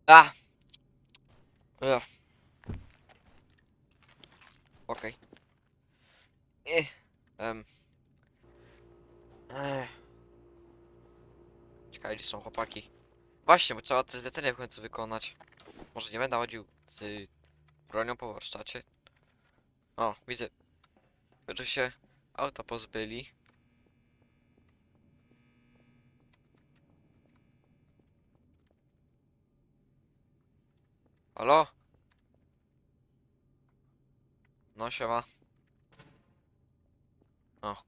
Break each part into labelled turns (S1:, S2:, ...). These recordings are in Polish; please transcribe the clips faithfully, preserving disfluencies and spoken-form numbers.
S1: A! Ugh. Okej. Okay. Um. Czekaj, gdzie są chłopaki? Właśnie, bo trzeba te zlecenie w końcu wykonać. Może nie będę chodził z bronią po warsztacie. O, widzę, że się auta pozbyli. Halo? No siema. O.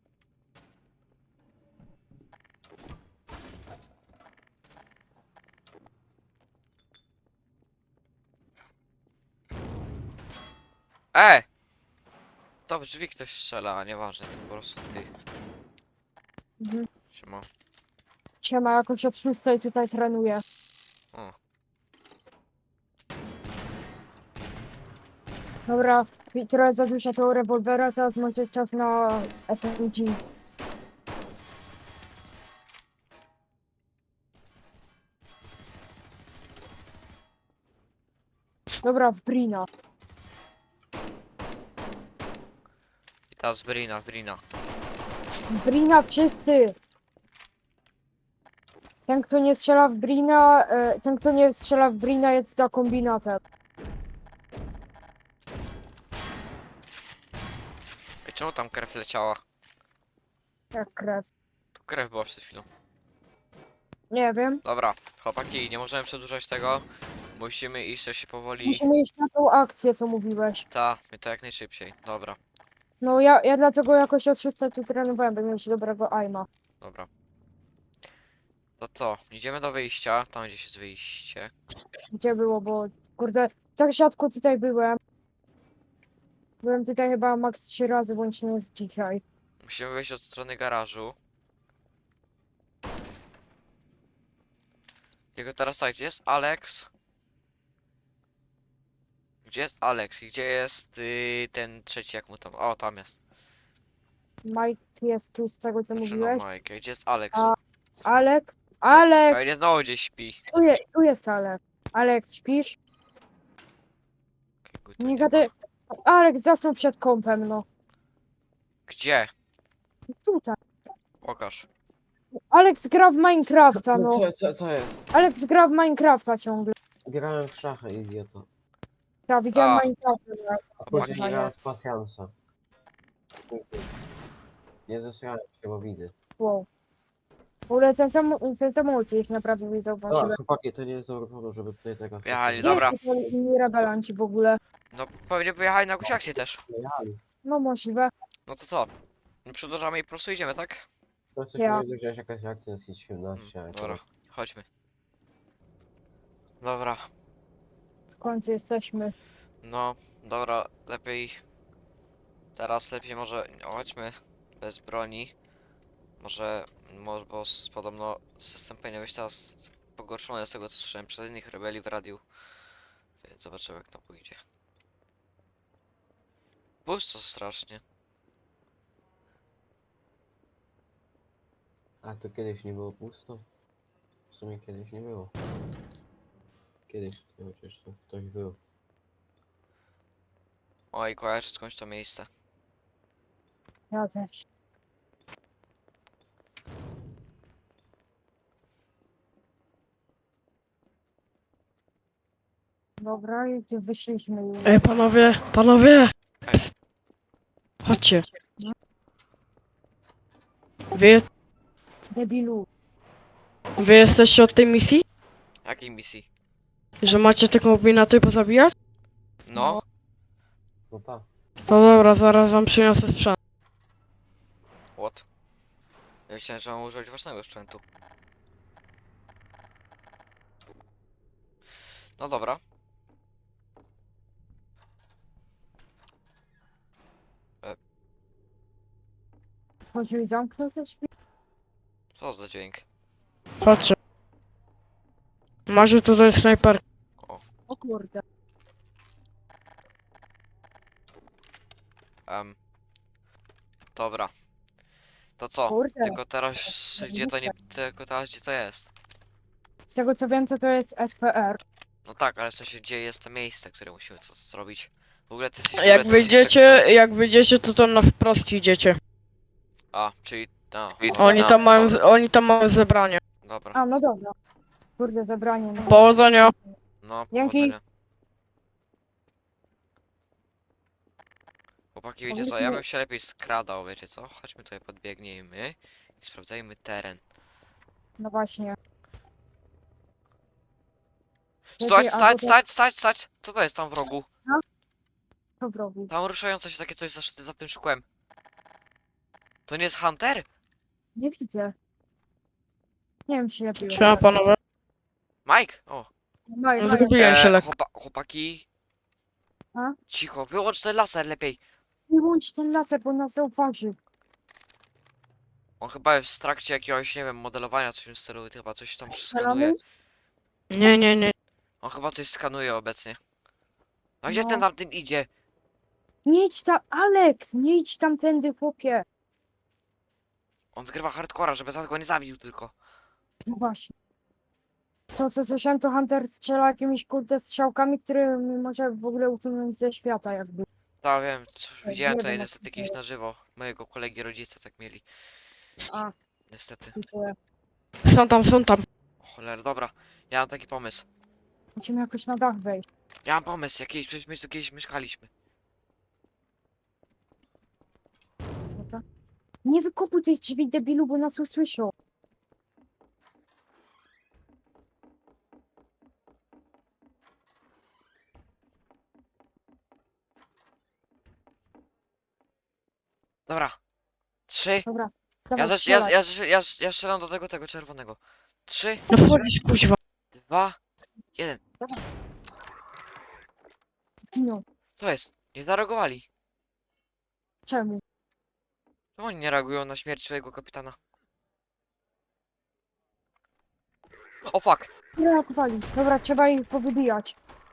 S1: E! To w drzwi ktoś strzela, a nieważne, to po prostu ty.
S2: Mhm.
S1: Siema.
S2: Siema, jakoś od szóstej tutaj trenuję.
S1: O.
S2: Dobra, i trochę za dużo tego rewolwera, teraz może czas na S M G. Dobra, w Brina.
S1: I teraz Brina, Brina.
S2: W Brina wszyscy! Ten, kto nie strzela w Brina, e, ten, kto nie strzela w Brina jest za kombinatem.
S1: Ej, czemu tam krew leciała?
S2: Jak krew.
S1: Tu krew była przed chwilą.
S2: Nie wiem.
S1: Dobra, chłopaki, nie możemy przedłużać tego. Musimy iść też się powoli.
S2: Musimy iść na tą akcję, co mówiłeś.
S1: Ta, my to jak najszybciej. Dobra,
S2: No ja, ja dlatego jakoś od szóstej tu trenowałem, by mieć dobrego aima.
S1: dobra. No to, idziemy do wyjścia, tam gdzieś jest wyjście.
S2: Gdzie było, bo kurde, tak rzadko tutaj byłem. Byłem tutaj chyba maks trzy razy, bądź nie jest dzisiaj.
S1: Musimy wyjść od strony garażu. Jego teraz tak, gdzie jest Alex? Gdzie jest Alex? I gdzie jest y, ten trzeci, jak mu tam? O, tam jest.
S2: Mike jest tu z tego, co
S1: Znaczy no
S2: mówiłeś.
S1: Mike, gdzie jest Alex?
S2: A Alex?
S1: Pe-
S2: Alex!
S1: Pewnie znowu gdzieś śpi.
S2: Tu, je, tu jest Alex. Alex, śpisz?
S1: Jakiego tu
S2: Nie
S1: nie ma.
S2: gadaj. Alex zasnął przed kąpem, no.
S1: Gdzie?
S2: Tutaj.
S1: Pokaż.
S2: Alex gra w Minecrafta,
S3: No
S2: no.
S3: co, co, co jest?
S2: Alex gra w Minecrafta ciągle.
S3: Grałem w szachy, idioto.
S2: Ja widziałem
S1: A.
S2: Minecrafta. no.
S3: A później
S2: Wyzwanie.
S3: grałem w pasjansa. Nie zesrałem się, bo widzę.
S2: Wow. W ogóle ten, sam, ten samolot ich naprawdę nie
S3: O,
S2: zauważyłem.
S3: chłopaki, to nie jest dobry powód, żeby tutaj tego...
S1: Wjechali,
S2: Gdzie
S1: dobra.
S2: są inni rebelanci w ogóle?
S1: No pewnie pojechali na jakąś akcję też.
S3: Jechali.
S2: No możliwe.
S1: No to co? No przedłużamy i po prostu idziemy, tak?
S3: To coś
S2: Ja.
S3: ja. Że jakaś akcja jest siedemnaście,
S1: Mm,
S3: ale
S1: dobra,
S3: to...
S1: chodźmy. Dobra,
S2: W końcu jesteśmy.
S1: no, dobra, lepiej. Teraz lepiej może no, chodźmy bez broni. Może, może bo s- podobno system powinien być teraz pogorszony z tego co słyszałem przez innych rebeli w radiu. Więc zobaczymy jak to pójdzie. Pusto strasznie.
S3: A to kiedyś nie było pusto? W sumie kiedyś nie było. Kiedyś, no przecież tu ktoś był.
S1: Oj, kojarzę skądś to miejsce.
S2: Ja też. Dobra, i gdzie wyszliśmy już.
S4: Ej, panowie, panowie!
S1: Ej.
S4: Chodźcie. Wy,
S2: Debilu.
S4: wy jesteście od tej misji?
S1: Jakiej misji?
S4: Że macie te kombinaty pozabijać?
S1: No,
S3: No tak.
S4: To dobra, zaraz wam przyniosę sprzęt.
S1: what? Ja myślałem, że mam używać własnego sprzętu. No dobra.
S2: Otworzył i zamknął te drzwi.
S1: Co za dźwięk?
S4: Chodźcie. Macie tutaj snajper.
S2: O kurde.
S1: Um, dobra. To co?
S2: Kurde.
S1: Tylko teraz gdzie to nie. Tylko teraz gdzie to jest?
S2: Z tego co wiem, to to jest S P R.
S1: No tak, ale w sensie gdzie jest to miejsce, które musimy to zrobić? W ogóle ty jesteś...
S4: Jak
S1: w ogóle ty jesteś
S4: wyjdziecie,
S1: jak-
S4: jak wyjdziecie, to tam na wprost idziecie.
S1: A, czyli... No,
S4: Oni
S1: no,
S4: tam mają,
S1: no,
S4: z- oni tam mają zebranie.
S1: dobra.
S2: A, no dobra. Kurde, zabranie. No.
S4: Powodzenia.
S1: No,
S2: Dzięki.
S1: powodzenia. Chłopaki, wiecie co, ja
S2: Powinniśmy-
S1: bym się lepiej skradał, wiecie co? Chodźmy tutaj, podbiegnijmy i sprawdzajmy teren.
S2: No właśnie.
S1: Stać,
S2: Lepiej
S1: stać,
S2: albo
S1: stać, stać, stać! Co to jest tam w rogu?
S2: to w rogu.
S1: Tam ruszające się takie coś za, za tym szkłem. To nie jest Hunter?
S2: Nie widzę. Nie wiem, czy lepiej.
S4: Siema panowie.
S1: Mike? O.
S2: Maj, maj.
S4: Zgubiłem się
S1: E,
S4: lekko.
S1: chłopa chłopaki.
S2: A?
S1: Cicho, wyłącz ten laser lepiej.
S2: Wyłącz ten laser, bo nas zauważy.
S1: On chyba jest w trakcie jakiegoś, nie wiem, modelowania coś w tym stylu, chyba coś tam
S2: Strzelamy?
S1: skanuje.
S4: Nie, nie, nie.
S1: On chyba coś skanuje obecnie. A gdzie
S2: No.
S1: ten tamtym idzie?
S2: Nie idź tam, Alex! Nie idź tamtędy, chłopie.
S1: On zgrywa hardcora, żeby za go nie zabił tylko.
S2: No właśnie. Co, co słyszałem, to Hunter strzela jakimiś kurde strzałkami, które może w ogóle usunąć ze świata jakby.
S1: Tak, wiem, cóż,
S2: Tak,
S1: widziałem
S2: nie
S1: tutaj
S2: wiem,
S1: niestety
S2: jak to
S1: jakieś na żywo. Mojego kolegi rodzice tak mieli.
S2: A,
S1: Niestety.
S2: współczuję.
S4: Są tam, są tam.
S1: O cholera, dobra. Ja mam taki pomysł.
S2: Musimy jakoś na dach wejść.
S1: Ja mam pomysł, jakiś, przecież my tu kiedyś mieszkaliśmy.
S2: Dobra. Nie wykopuj tych drzwi, debilu, bo nas usłyszą.
S1: Dobra. Trzy.
S2: Dobra,
S1: Ja,
S2: dawaj,
S1: zaś, ja,
S2: strzelaj.
S1: ja, ja, ja, ja strzelam do tego, tego czerwonego. Trzy,
S4: No wchodzisz, kuźwa.
S1: dwa, jeden.
S2: Zginął.
S1: Co jest? Nie zareagowali.
S2: Czemu?
S1: Czemu oni nie reagują na śmierć swojego kapitana? O fuck!
S2: Reagowali. Dobra, trzeba ich powybijać.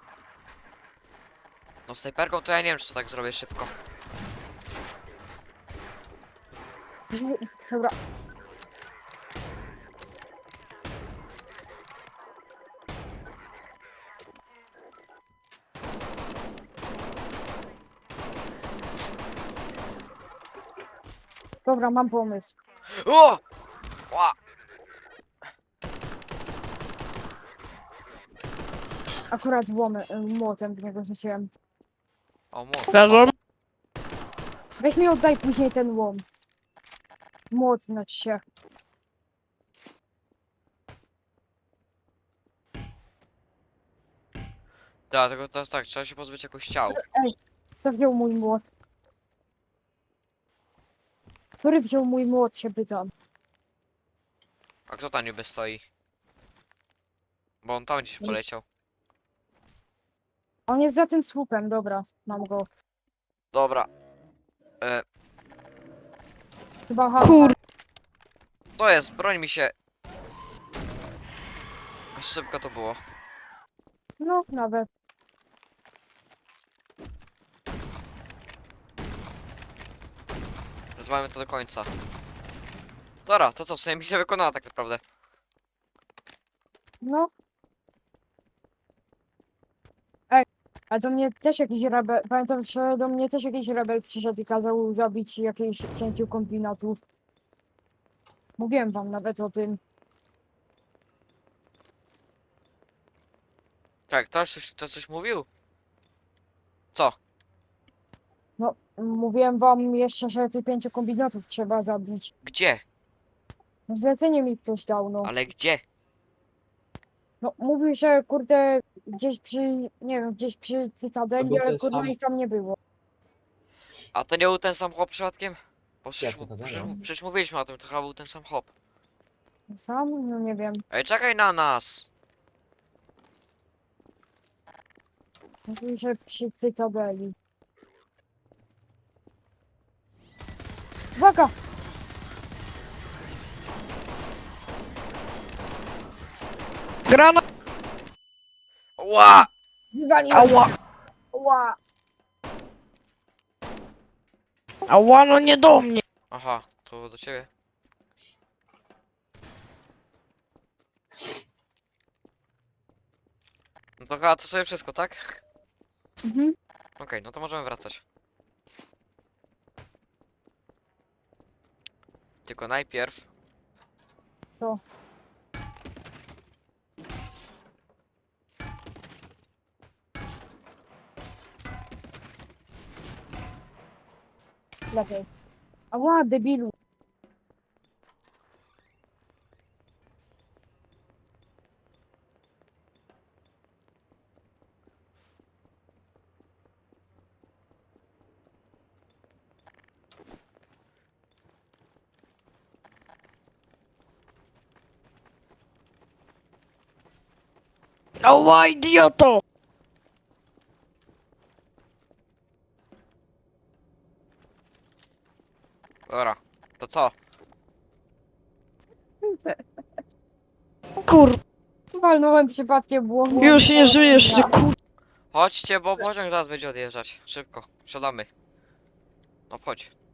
S1: No snajperką to ja nie wiem, czy to tak zrobię szybko.
S2: Drzwi... Dobra. Dobra, mam pomysł.
S1: O! Ła!
S2: Akurat łomę, młotem w niego rzuciłem.
S1: O, młot.
S4: Leżą.
S2: Weź mi oddaj później ten łom. Młot znaczy się.
S1: Tak, tylko teraz tak, trzeba się pozbyć jakoś ciał.
S2: Kto wziął mój młot? Który wziął mój młot, się pytam.
S1: A kto tam niby stoi? Bo on tam gdzieś
S2: Nie.
S1: poleciał.
S2: On jest za tym słupem, dobra, mam go.
S1: Dobra. E,
S2: Chyba ha.
S4: Kur...
S1: to jest, broń mi się. Aż szybko to było.
S2: No, nawet.
S1: Rozwalamy to do końca. Dobra, to co, w sumie misja wykonana tak naprawdę.
S2: No. Ej, a do mnie też jakiś rebel, pamiętam, że do mnie też jakiś rebel przyszedł i kazał zabić jakieś pięciu kombinatów. Mówiłem wam nawet o tym.
S1: Tak, to coś, to coś mówił? Co?
S2: No, mówiłem wam jeszcze, że tych pięciu kombinatów trzeba zabić.
S1: Gdzie?
S2: No, zlecenie mi ktoś dał, no.
S1: Ale gdzie?
S2: No, mówił, że kurde, gdzieś przy, nie wiem, gdzieś przy
S3: To
S2: Cytadeli,
S3: był
S2: ale
S3: ten
S2: kurde
S3: sam-
S2: ich tam nie było.
S1: A to nie był ten sam chłop przypadkiem? Bo przecież,
S3: to
S1: mu-
S3: tak
S1: przecież,
S3: było?
S1: przecież mówiliśmy o tym, to chyba był ten sam chłop.
S2: Sam? No nie wiem.
S1: Ej, czekaj na nas!
S2: Mówił, że przy Cytadeli. Uwaga!
S4: Grana!
S1: Ła!
S2: Wywaliłem!
S4: Ała!
S2: Ła!
S4: Ała, no nie do mnie.
S1: Aha, to do ciebie. No to chyba to sobie wszystko, tak?
S2: Mhm.
S1: Okej, no to możemy wracać. Tylko najpierw...
S2: Co? Lepiej. Ała, debilu.
S4: Ała, idioto!
S1: Dobra, to co?
S4: Kur...
S2: Walnąłem przypadkiem błąd.
S4: Już nie żyjesz, ty kur...
S1: Chodźcie, bo pociąg zaraz będzie odjeżdżać. Szybko, wsiadamy. No chodź.